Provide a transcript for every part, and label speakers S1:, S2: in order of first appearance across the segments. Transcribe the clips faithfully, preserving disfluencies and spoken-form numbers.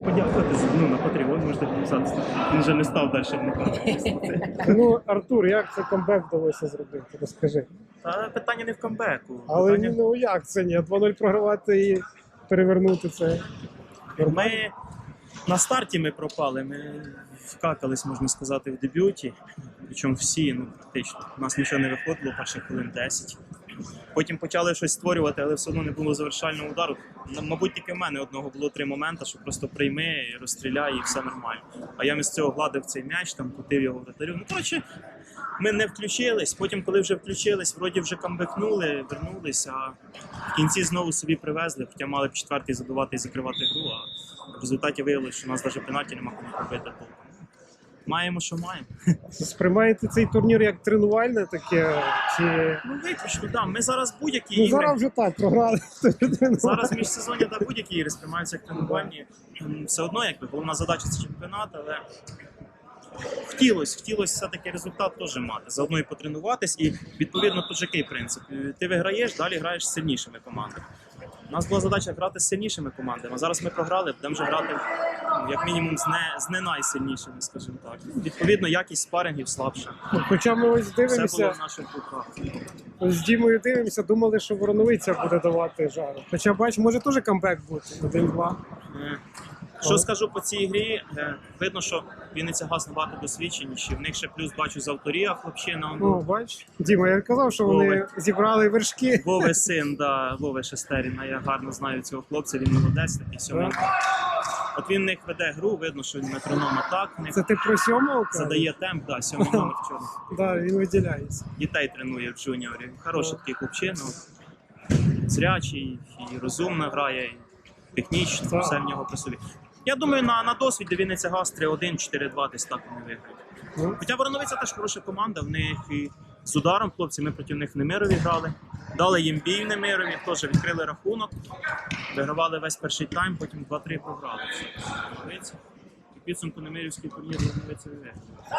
S1: Подякувати ну, на Patreon, можете підписатися. Він вже не став далі вникати.
S2: Ну, Артур, як це камбек вдалося зробити? Розкажи.
S1: Та питання не в камбеку.
S2: Але
S1: Питання...
S2: ну як це ні? два нуль програвати і перевернути це.
S1: Ми на старті ми пропали, ми вкакались, можна сказати, в дебюті. Причому всі, ну практично. У нас нічого не виходило, перших хвилин десять. Потім почали щось створювати, але все одно не було завершального удару. Мабуть, тільки в мене одного було три моменти, що просто прийми, розстріляй і все нормально. А я з цього гладив цей м'яч, там крутив його вратарю. Ну, коротше, ми не включились, потім, коли вже включились, вроді вже камбекнули, вернулись, а в кінці знову собі привезли, хоча мали б четвертий забивати і закривати гру, а в результаті виявилося, що у нас навіть пенальті нема кому пробити толком. Маємо, що маємо.
S2: Сприймаєте цей турнір як тренувальне таке? Чи...
S1: Ну, виключно, так. Ми зараз будь-які
S2: Ну,
S1: ігри...
S2: зараз вже так, програли.
S1: Зараз міжсезоння та будь-які ігри сприймаються як тренувальні. Все одно, якби, головна задача – це чемпіонат, але хотілося, хотілося все-таки результат теж мати. Заодно і потренуватись, і відповідно тут який принцип. Ти виграєш, далі граєш з сильнішими командами. У нас була задача грати з сильнішими командами, а зараз ми програли, будемо вже грати ну, як мінімум з не, з не найсильнішими, скажімо так. Відповідно, якість спарингів слабша.
S2: Хоча ми ось
S1: Все було
S2: дивимося,
S1: в наших руках.
S2: ось з Дімою дивимося, думали, що Вороновиця буде давати жару. Хоча, бач, може теж камбек бути, один-два.
S1: Е, Що скажу по цій грі, е, видно, що Вінниця Газ набагато досвідченіші, в них ще плюс бачу з авторія хлопчина.
S2: Ну, бач, Діма, я казав, що вони
S1: Вови.
S2: зібрали вершки.
S1: Вови син, да, Вови Шестеріна, я гарно знаю цього хлопця, він молодець такий сьомий. От він в них веде гру, видно, що він метроном атак, в них
S2: Це ти про сьомого? кажеш?
S1: задає темп, да, сьомий номер вчора.
S2: Да, він виділяється.
S1: Дітей тренує в джуніорі. Хороший такий хлопчина, зрячий, і розумно грає, і технічно,
S2: Так.
S1: все в нього при собі. Я думаю, на, на досвіді Вінниця Газ три один, чотири два десь так вони виграють.
S2: Ну,
S1: Хоча Вороновиця теж хороша команда, в них і з ударом хлопці, ми проти них в Немирові грали. Дали їм бій в Немирові, теж відкрили рахунок, вигравали весь перший тайм, потім два-три програли. Вороновиця. І в підсумку Немирівський турнір Вороновиця виграє.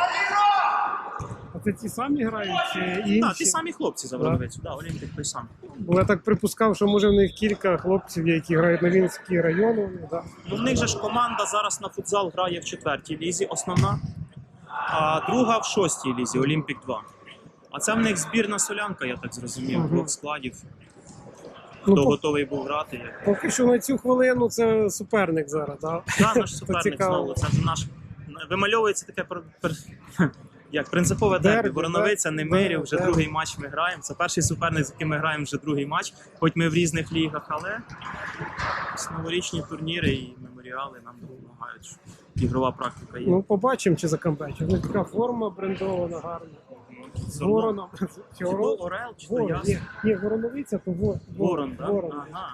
S2: а це ті самі грають чи інші?
S1: Так, ті самі хлопці за Вороновицю, да, Олімпік той самий.
S2: Бо я так припускав, що може в них кілька хлопців, які грають на Вінницький район. Ну, да.
S1: Ну, в них же ж команда зараз на футзал грає в четвертій лізі, основна, а друга в шостій лізі, Олімпік два. А це в них збірна солянка, я так зрозумів,
S2: Мгм.
S1: двох складів.
S2: Ну,
S1: Хто
S2: по-
S1: готовий був грати. Як...
S2: Поки що на цю хвилину це суперник зараз, так?
S1: Да, наш суперник
S2: цікаво.
S1: знову. Це ж наш вимальовується таке пр- пр- як принципове дербі.
S2: Дербі,
S1: Вороновиця,
S2: так.
S1: Немирів, вже
S2: Дербі.
S1: другий матч ми граємо. Це перший суперник, з яким ми граємо вже другий матч. Хоч ми в різних лігах, але новорічні турніри і меморіали нам допомагають. що Ігрова практика є.
S2: Ну, побачимо, чи закамбечить. Ну, така форма брендована, гарна. З вороном. Чи
S1: Чи
S2: ворон?
S1: то Орел, чи то
S2: Ворон.
S1: Яс?
S2: Ні, ні, вороновиця, то во-
S1: Ворон, так?
S2: ворон.
S1: Ага.